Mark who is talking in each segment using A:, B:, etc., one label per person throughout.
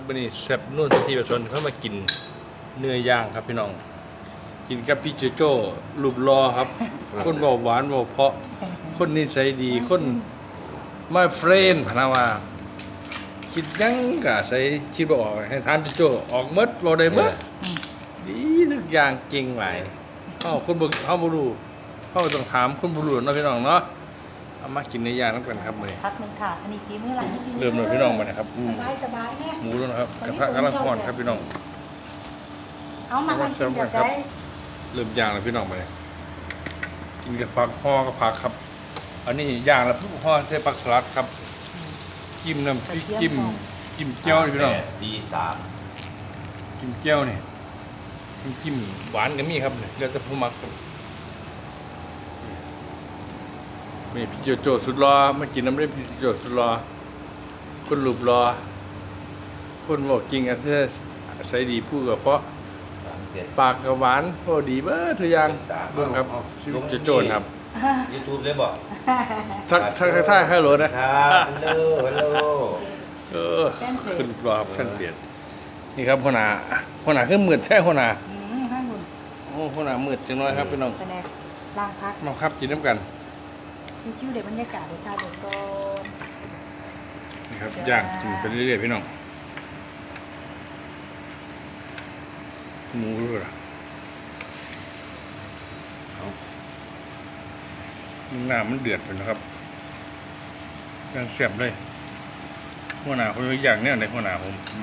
A: วันนี้แซ่บนุ่นที่ประชนเข้ามากินเนื้อย่างครับพี่น้องกินกับพี่โจโจ้รูปรอครับ คนบอกหวานบอกเพราะคนนิสัยดีคนไม่เฟรนพนาว่าคิดยังกะใส่คิดบ่ออกให้ทานโจโจ้ออกหมดบ่ได้หมดดีทุกอย่างจริงหลายคนบ่เฮาบ่รู้เฮาต้องถามคนบ่รู้เนาะพี่น้องเนาะเอามากินเนื้อย่างนำกันครับมื้อนี้
B: พักหนึ่งค่ะอันนี้กี่มื้อหลัง
A: เริ่มเลยพี่น้องมาเนี่ยครับ
B: สบายแน่
A: หมูแล้วนะครับกระทะกำลังร้อนครับพี่น้อง
B: เอามาทำกินแบบไหน
A: เริ่มย่างแล้วพี่น้องมาเนี่ยกินกับผักห่อกับผักครับ อันนี้ย่างแล้วห่อใส่ผักสลัดครับจิ้มน้ำพริกจิ้มเจียวนี่พี่น้อง
C: C3
A: จิ้มเจียวนี่จิ้มหวานก็มีครับเนี่ยแล้วแต่ผู้มักครับนี่พี่โจโจสุดรอมากินน้ำเล่มพี่โจสุดรอคนรูปรอคนบอกจริงอ่ะใส่ดีพูดกับเพราะ
C: 37
A: ปากกับหวานพอดีเบ้อทุกอย่างเบิ่งครับชีวิตจะโจรครับ
C: YouTube เลยบอก
A: ทักฮัลโหลนะครับ
C: ฮัลโหล
A: ขึ้นรอครับเส้นเปลี่ยนนี่ครับหัวหน้าคือมืดแท้หัวหน้า
B: ข้างบน
A: โอ้หัวหน้ามืดจังน้อยครับพี่น้อง
B: เป็นไงล่างพัก
A: มาครับกินน้ำกัน
B: มีชื่อเด็กบรรยากาศเด็กค่ะเด็กก่อน
A: นี่ครับย่างกินไปเรื่อยๆพี่น้องหมูด้วยล่ะน้ำมันเดือดไปนะครับย่างเสียบเลยหัวหน้าคนอย่างเนี้ยในหัวหน้าผม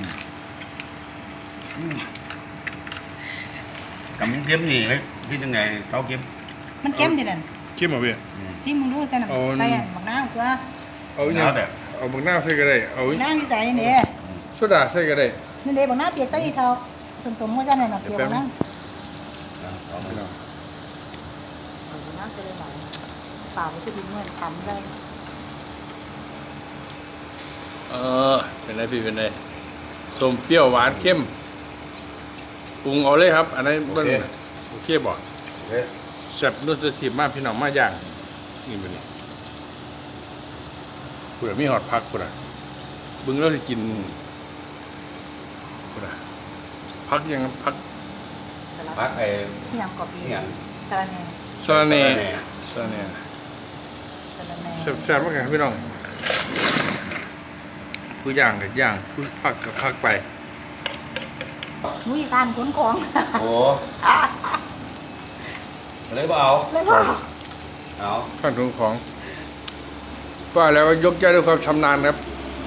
C: กับมันเค็มนี่เลยที่ยังไงเขาเค็ม
B: มันเข้มดินั่น
A: คิดมาพี่
B: ที่มึงรู้ใส่น้ำใส่หมักน้ำตัว
A: เอาอย่างเอาบักหน้าใส่ก็ได้เอา
B: น้ำที่ใส่เนี่ย
A: โซดาใส่ก็ได้
B: นี่เด็กบอกน้ำเปียกใส่เท่าสมว่าจะเนี่ยเปียกน้ำ
A: พี่น้อง
B: น้ำจะเลยไหลเปล่าก็ดิ้นเหมือนฉันเลย
A: เป็นไรพี่เป็นไรส้มเปรี้ยวหวานเข้มปรุงเอาเลยครับ อันนั้นมันโอเคบ่
C: โอเค
A: แซ่บนุ่นจะสีมากพี่น้องมาย่างนี่เป็นนี่เผื่อมีหอดพักพุ่นอ่ะบึงเราจะกินพุ่นอ่ะพักยังพัก
C: พักไอ้
B: ที่ยำกรอบดี
C: นี่อย่าง
B: สาระแน่
A: ซาเน่ซาเน่
B: สาระแน่
A: แซ่บๆมากครับพี่น้องผู้ย่างกับย่างผู้พักกับพักไป
B: นุ้ยการขนของ
C: โอ้เลยเปล่า
B: เลยว่า
C: เอา
A: ขั้นตอนของว่าแล้วก็ยกใจด้วยความชำนาญครับ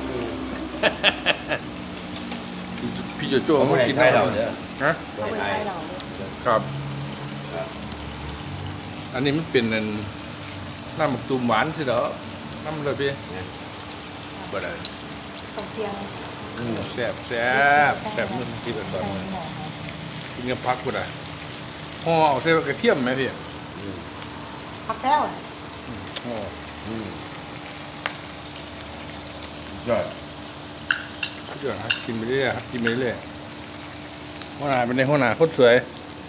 A: พี่โจโจ้
C: เขา
A: มา
C: ไม่ให้
A: กิน
C: ไทยเราเด้อ
A: ฮะ
C: ไม่
B: เอาไป
C: ให้ไท
B: ใช้
C: ย
B: เรา
A: ครับ
C: ครับ
A: อันนี้มันเป็นน้ำหมกตูมหวานสิเหรอน้ำเลยพี่บ่ได้
B: ต้องเตียง
A: แซ่บมันที่แบบตอนนี้กินกับพักบ่ได้ห่อเอาใส่กระเทียมไหมพี่
B: พักแก้ว
A: ห่อ
C: ยอด
A: เดี๋ยวครับกินไปเรื่อยๆครับกินไปเรื่อยหัวหน้าเป็นในหัวหน้าโคตรสวย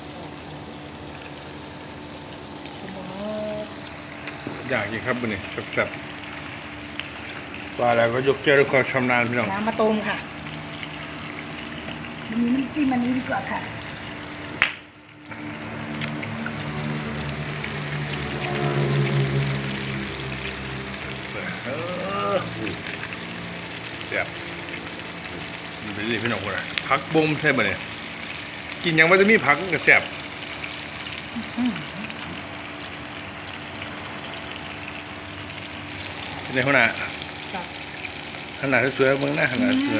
A: อยากกินครับบุนี่แซ่บๆว่าแล้วก็ยกแก้วด้วยความชำนาญพี่น้อง
B: น้ำมะตูมค่ะมันมีน้ำจิ้มอันนี้ดีกว่าค่ะ
A: แซ่บกินไปเรื่อยๆพี่น้องคนละผักบ่มใช่ป่ะเนี่ยกินยังไม่จะมีผักมันก็แซ่บในหัวหน้าขนาดสวยๆเมืองหน้าขนาดสวย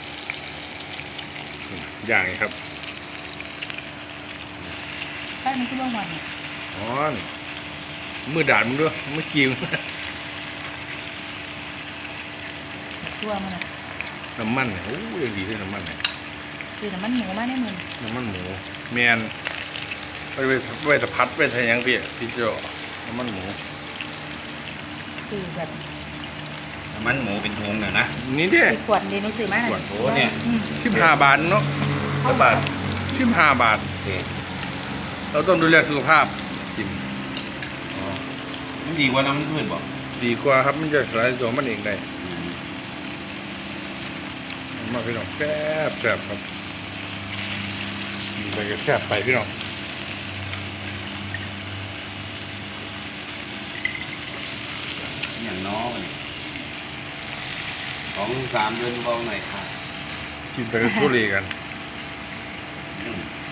A: อย่างนี้ครับ
B: ใช่มันคือเรื่องมัน
A: อ๋อมือด่านมึงด้วยมือกิ้ว
B: ตัวมันอ่ะ
A: น้ำมันเนี่ยโอ้ยยังดีด้วยน้ำมันเนี่ย
B: คือน้ำมันหมูมากได้เหมือน
A: น้ำมันหมูแมนไปสะพัดไปทะยังพี่โจน้ำมันหมู
B: คือแบบ
C: มันหมูเป็นทุงน่ะนะ
A: นี่เด้
B: ขวดเดียวนี่ซื้อมา
C: ขวดโอ้เนี่ย
A: 15 บาทเนาะ
C: เท่าบาท
A: 15 บาท
C: โอเค
A: เราต้องดูแลสุขภาพกิน
C: อ๋อมันดีกว่าน้ำพืชบอก
A: ดีกว่าครับมันจะสลายตัวมันเองได้
C: ม
A: มากพี่น้องแซ่บครับกินไปก็แซ่บไปพี่น้อง
C: อย่างน้อย2-3 เดือนเบาหน่อยค่ะ
A: กินไปก็ทุเรศกัน
C: อืม